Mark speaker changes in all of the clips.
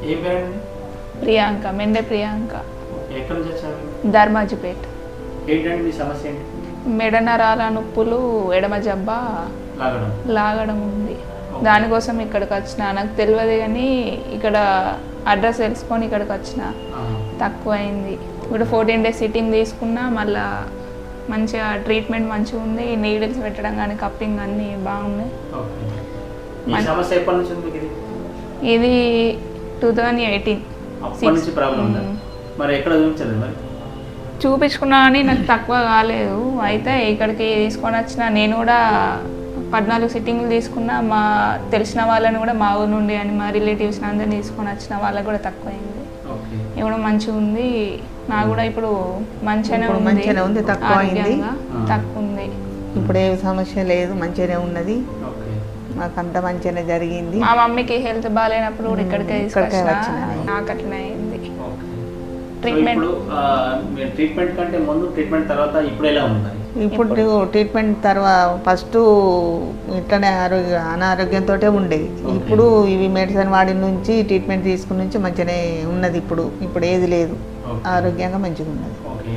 Speaker 1: ఏ పేరండి?
Speaker 2: ప్రియాంక, మెండే ప్రియాంక,
Speaker 1: ఎక్కడి నుంచి వచ్చారు?
Speaker 2: ధర్మాజిపేట్.
Speaker 1: ఏంటండి మీ సమస్య ఏంటి?
Speaker 2: మెడ నరాల నొప్పులు, ఎడమ జబ్బా లాగడం ఉంది. దానికోసం ఇక్కడికి వచ్చిన. నాకు తెలియదు కానీ ఇక్కడ అడ్రస్ తెలుసుకొని ఇక్కడికి వచ్చిన. తక్కువ అయింది. ఇప్పుడు 14 days సిట్టింగ్ తీసుకున్నా, మళ్ళా మంచిగా ట్రీట్మెంట్ మంచిగా ఉంది. నీడిల్స్ పెట్టడం కానీ కప్పింగ్ అన్నీ బాగున్నాయి. ఇది 2018 చూపించుకున్నా కానీ నాకు తక్కువ కాలేదు. అయితే ఇక్కడికి తీసుకొని వచ్చిన. నేను కూడా 14 సిట్టింగ్లు తీసుకున్నా. మా తెలిసిన వాళ్ళని కూడా మా ఊరు నుండి అని మా రిలేటివ్స్ అందరినీ తీసుకొని వచ్చిన. వాళ్ళకి కూడా తక్కువ అయింది. ఇప్పుడు మంచిగా ఉంది. నాకు కూడా ఇప్పుడు మంచిగానే ఉంది.
Speaker 3: తక్కువ అయింది.
Speaker 2: తక్కువ ఉంది.
Speaker 3: ఇప్పుడు ఏ సమస్య లేదు, మంచిగానే ఉన్నది. మాకంతా మంచిగానే జరిగింది.
Speaker 2: మా మమ్మీకి హెల్త్ బాగాలేనప్పుడు కూడా ఇక్కడికే తీసుకొచ్చిన. నాకు అట్లనే అయింది.
Speaker 1: ట్రీట్మెంట్ కంటే ముందు, ట్రీట్మెంట్ తర్వాత ఇప్పుడు ఎలా ఉంది?
Speaker 3: ఇప్పుడు ట్రీట్మెంట్ తర్వాత ఫస్ట్ ఇట్లనే అనారోగ్యంతో ఉండేది. ఇప్పుడు ఇవి మెడిసిన్ వాడి నుంచి ట్రీట్మెంట్ తీసుకుని నుంచి మంచిగానే ఉన్నది. ఇప్పుడు ఏది లేదు, ఆరోగ్యంగా మంచిగా ఉన్నది.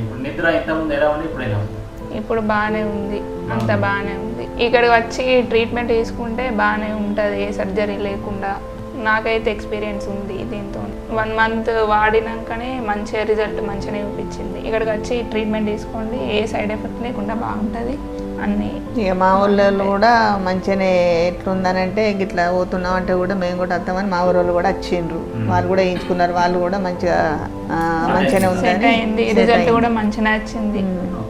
Speaker 2: ఇప్పుడు బాగానే ఉంది. అంత బాగానే ఉంది. ఇక్కడికి వచ్చి ట్రీట్మెంట్ తీసుకుంటే బాగానే ఉంటుంది, ఏ సర్జరీ లేకుండా. నాకైతే ఎక్స్పీరియన్స్ ఉంది దీంతో. 1 month వాడినాకనే మంచిగా రిజల్ట్ మంచిగానే చూపించింది. ఇక్కడికి వచ్చి ట్రీట్మెంట్ తీసుకోండి, ఏ సైడ్ ఎఫెక్ట్ లేకుండా బాగుంటుంది అన్నీ.
Speaker 3: ఇక మా ఊళ్ళో కూడా మంచిగానే ఎట్లుందనంటే ఇట్లా పోతున్నాం అంటే కూడా మేము కూడా వస్తామని మా ఊళ్ళో కూడా వచ్చిండ్రు. వాళ్ళు కూడా వేయించుకున్నారు. వాళ్ళు కూడా మంచిగానే ఉంది.
Speaker 2: రిజల్ట్ కూడా మంచిగా వచ్చింది.